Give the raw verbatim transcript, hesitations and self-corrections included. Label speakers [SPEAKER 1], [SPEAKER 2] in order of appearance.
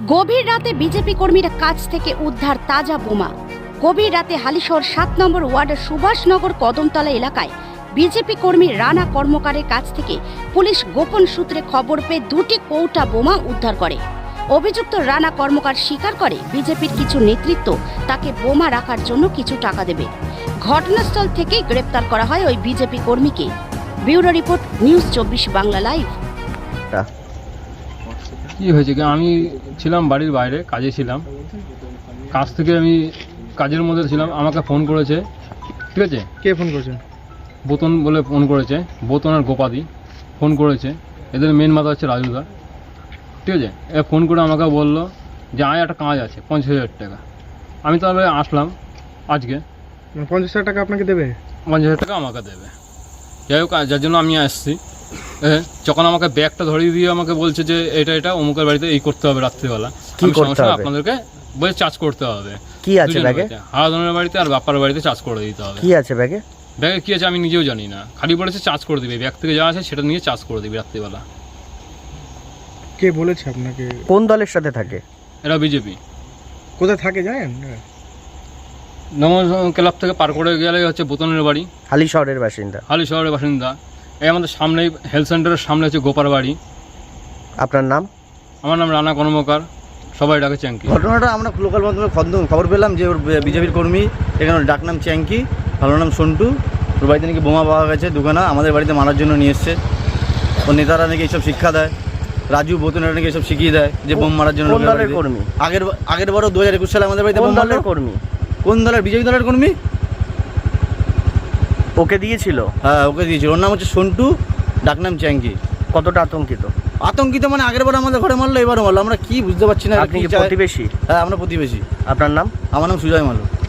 [SPEAKER 1] গভীর রাতে বিজেপি কর্মীর কাছ থেকে উদ্ধার তাজা বোমা। গভীর রাতে হালিশহর সাত নম্বর ওয়ার্ডের সুভাষনগর কদমতলা এলাকায় বিজেপি কর্মী রানা কর্মকারের কাছ থেকে পুলিশ গোপন সূত্রে খবর পেয়ে দুটি কৌটা বোমা উদ্ধার করে। অভিযুক্ত রানা কর্মকার স্বীকার করে বিজেপির কিছু নেতৃত্ব তাকে বোমা রাখার জন্য কিছু টাকা দেবে। ঘটনাস্থল থেকেই গ্রেপ্তার করা হয় ওই বিজেপি কর্মীকে। ব্যুরো রিপোর্ট, নিউজ চব্বিশ বাংলা লাইভ।
[SPEAKER 2] কি হয়েছে কি, আমি ছিলাম বাড়ির বাইরে, কাজে ছিলাম। কাজ থেকে আমি কাজের মধ্যে ছিলাম, আমাকে ফোন করেছে। ঠিক আছে,
[SPEAKER 3] কে ফোন করেছে?
[SPEAKER 2] বোতন বলে ফোন করেছে, বোতন আর গোপাদি ফোন করেছে। এদের মেন মাথা হচ্ছে রাজুদা। ঠিক আছে, এ ফোন করে আমাকে বললো যে আয় একটা কাজ আছে পঞ্চাশ হাজার টাকা। আমি তাহলে আসলাম আজকে।
[SPEAKER 3] পঞ্চাশ হাজার টাকা আপনাকে দেবে?
[SPEAKER 2] পঞ্চাশ হাজার টাকা আমাকে দেবে। যাই হোক, যার জন্য আমি আসছি। যখন আমাকে ব্যাগটা ধরিয়ে দিয়ে আমাকে বলছে যে এটা এটা অমুকের বাড়িতে এই করতে হবে রাত্রিবেলা,
[SPEAKER 4] কি করতে হবে?
[SPEAKER 2] আপনাদেরকে বলে চার্জ করতে হবে।
[SPEAKER 4] কি আছে ব্যাগে?
[SPEAKER 2] হারাধনের বাড়িতে আর বাপ্পার বাড়িতে চার্জ করে দিতে হবে।
[SPEAKER 4] কি আছে ব্যাগে?
[SPEAKER 2] ব্যাগে কি আছে আমি নিজেও জানি না, খালি বলেছে চার্জ করে দিবে। ব্যাগ থেকে যা আছে সেটা নিয়ে চার্জ করে দিবি রাত্রিবেলা।
[SPEAKER 3] কে বলেছে আপনাকে?
[SPEAKER 4] কোন দলের সাথে থাকে
[SPEAKER 2] এরা? বিজেপি।
[SPEAKER 3] কোথায় থাকে জানেন?
[SPEAKER 2] নমস ক্লাব থেকে পার করে গেলে হচ্ছে বোতনের বাড়ি,
[SPEAKER 4] হালি শহরের বাসিন্দা।
[SPEAKER 2] হালি শহরের বাসিন্দা। এই আমাদের সামনেই হেলথ সেন্টারের সামনে হচ্ছে গোপার বাড়ি।
[SPEAKER 4] আপনার নাম?
[SPEAKER 2] আমার নাম রানা কর্মকার, সবাই ডাকে চ্যাঙ্কি।
[SPEAKER 5] ঘটনাটা আমরা লোকাল মাধ্যমে খবর পেলাম যে ওর বিজেপির কর্মী, এখানে ওর ডাক নাম চ্যাঙ্কি, ভালো নাম সন্টু। ওর বাড়িতে নাকি বোমা পাওয়া গেছে দুখানা, আমাদের বাড়িতে মারার জন্য নিয়ে এসছে। ওর নেতারা নাকি এইসব শিক্ষা দেয়, রাজু বোতনেরা নাকি এসব শিখিয়ে দেয় যে বোম মারার জন্য।
[SPEAKER 4] কোন দলের কর্মী?
[SPEAKER 5] আগের আগের বারও দু হাজার একুশ সালে আমাদের বাড়িতে বোম মারলো।
[SPEAKER 4] কর্মী?
[SPEAKER 5] কোন দলের? বিজেপি দলের কর্মী।
[SPEAKER 4] ওকে দিয়েছিল?
[SPEAKER 5] হ্যাঁ, ওকে দিয়েছিল। ওর নাম হচ্ছে সন্টু, ডাক নাম চ্যাঙ্কি।
[SPEAKER 4] কতটা আতঙ্কিত?
[SPEAKER 5] আতঙ্কিত মানে আগের বার আমাদের ঘরে মারলো, এবারও মারলো। আমরা কি বুঝতে পারছি না।
[SPEAKER 4] আপনি কি প্রতিবেশী?
[SPEAKER 5] হ্যাঁ, আমরা প্রতিবেশী।
[SPEAKER 4] আপনার নাম?
[SPEAKER 5] আমার নাম সুজয় মালু।